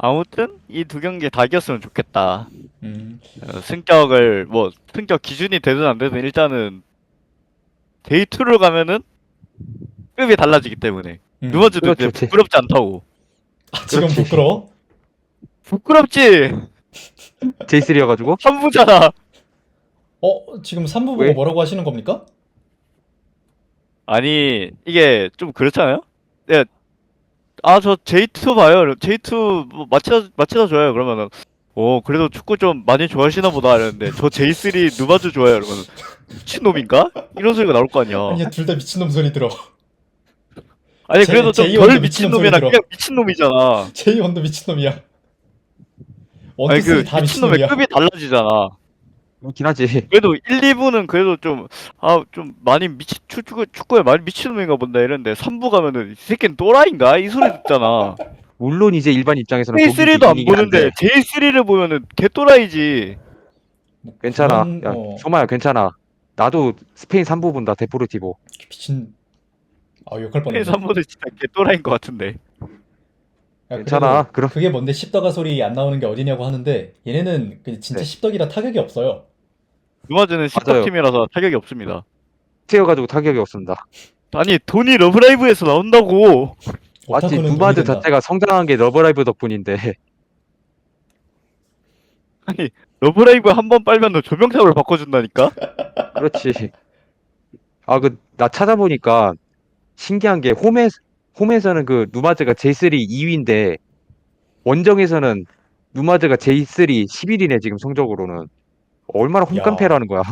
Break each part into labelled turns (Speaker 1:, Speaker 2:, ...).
Speaker 1: 아무튼 이 두 경기 다 이겼으면 좋겠다.
Speaker 2: 음,
Speaker 1: 승격을 뭐 승격 기준이 되든 안 되든 일단은 데이2를 가면은 급이 달라지기 때문에 누어즈도 이제
Speaker 3: 그렇죠.
Speaker 1: 부끄럽지 않다고.
Speaker 2: 아, 지금
Speaker 3: 그렇지.
Speaker 2: 부끄러워?
Speaker 1: 부끄럽지.
Speaker 3: J3여가지고
Speaker 1: 3부잖아.
Speaker 2: 지금 3부 보고
Speaker 3: 왜?
Speaker 2: 뭐라고 하시는 겁니까?
Speaker 1: 아니 이게 좀 그렇잖아요. 네, 저 J2 봐요. J2 뭐 마치다 좋아요. 그러면은 그래도 축구 좀 많이 좋아하시나 보다 이랬는데 저 J3 누바주 좋아요. 그러면 미친놈인가? 이런 소리가 나올 거 아니야.
Speaker 2: 아니야, 둘 다 미친놈 소리 들어.
Speaker 1: 아니 그래도 좀
Speaker 2: J1도
Speaker 1: 덜
Speaker 2: 미친놈 소리
Speaker 1: 미친놈이라
Speaker 2: 들어.
Speaker 1: 그냥 미친놈이잖아.
Speaker 2: J1도 미친놈이야. 원,
Speaker 1: 아니
Speaker 2: 투, 쓰리
Speaker 1: 그
Speaker 2: 다
Speaker 1: 미친놈의
Speaker 2: 미친놈이야.
Speaker 1: 급이 달라지잖아.
Speaker 3: 그렇긴 하지.
Speaker 1: 그래도 1, 2부는 그래도 좀 많이 축구에 많이 미친놈인가 본다 이랬는데 3부 가면은 이 새끼는 또라이인가? 이 소리 듣잖아.
Speaker 3: 물론 이제 일반 입장에서는 보기
Speaker 1: J3도 안
Speaker 3: 기준이긴
Speaker 1: 보는데
Speaker 3: 한데
Speaker 1: J3를 보면은 개또라이지.
Speaker 2: 뭐
Speaker 3: 괜찮아.
Speaker 2: 그런,
Speaker 3: 야, 소마야 괜찮아. 나도 스페인 3부 본다. 데포르티보.
Speaker 2: 미친. 욕할 뻔했네.
Speaker 1: 3부도 진짜 개또라이인 것 같은데.
Speaker 2: 야,
Speaker 3: 괜찮아.
Speaker 2: 그래도
Speaker 3: 그럼
Speaker 2: 그게 뭔데 십덕아 소리 안 나오는 게 어디냐고 하는데 얘네는 진짜
Speaker 3: 네.
Speaker 2: 십덕이라 타격이 없어요.
Speaker 1: 누마즈는
Speaker 3: 맞아요.
Speaker 1: 10덕팀이라서 타격이 없습니다.
Speaker 3: 세여가지고 타격이 없습니다.
Speaker 1: 아니 돈이 러브라이브에서 나온다고.
Speaker 3: 맞지?
Speaker 2: 오타쿠는 돈이
Speaker 3: 누마즈
Speaker 2: 된다.
Speaker 3: 자체가 성장한 게 러브라이브 덕분인데
Speaker 1: 아니 러브라이브 한 번 빨면 조명탑을 바꿔준다니까?
Speaker 3: 그렇지. 나 찾아보니까 신기한 게 홈에서는 그 누마즈가 J3 2위인데 원정에서는 누마즈가 J3 11위네 지금 성적으로는. 얼마나
Speaker 2: 야,
Speaker 3: 홈깡패라는 거야.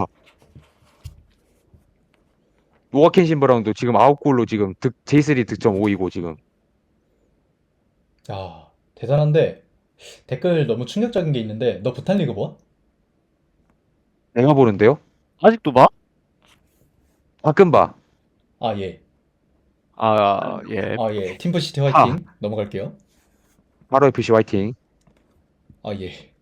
Speaker 3: 노아켄 신버랑도 지금 9골로 지금 J3 득점 5위고 지금.
Speaker 2: 야, 대단한데 댓글 너무 충격적인 게 있는데 너 부탄 리그 뭐?
Speaker 3: 내가 보는데요?
Speaker 1: 아직도 봐?
Speaker 3: 가끔 봐.
Speaker 2: 아, 예.
Speaker 1: 예.
Speaker 2: 아, 예. 팀부시티 화이팅. 넘어갈게요.
Speaker 3: 바로 FC 화이팅.
Speaker 2: 아, 예.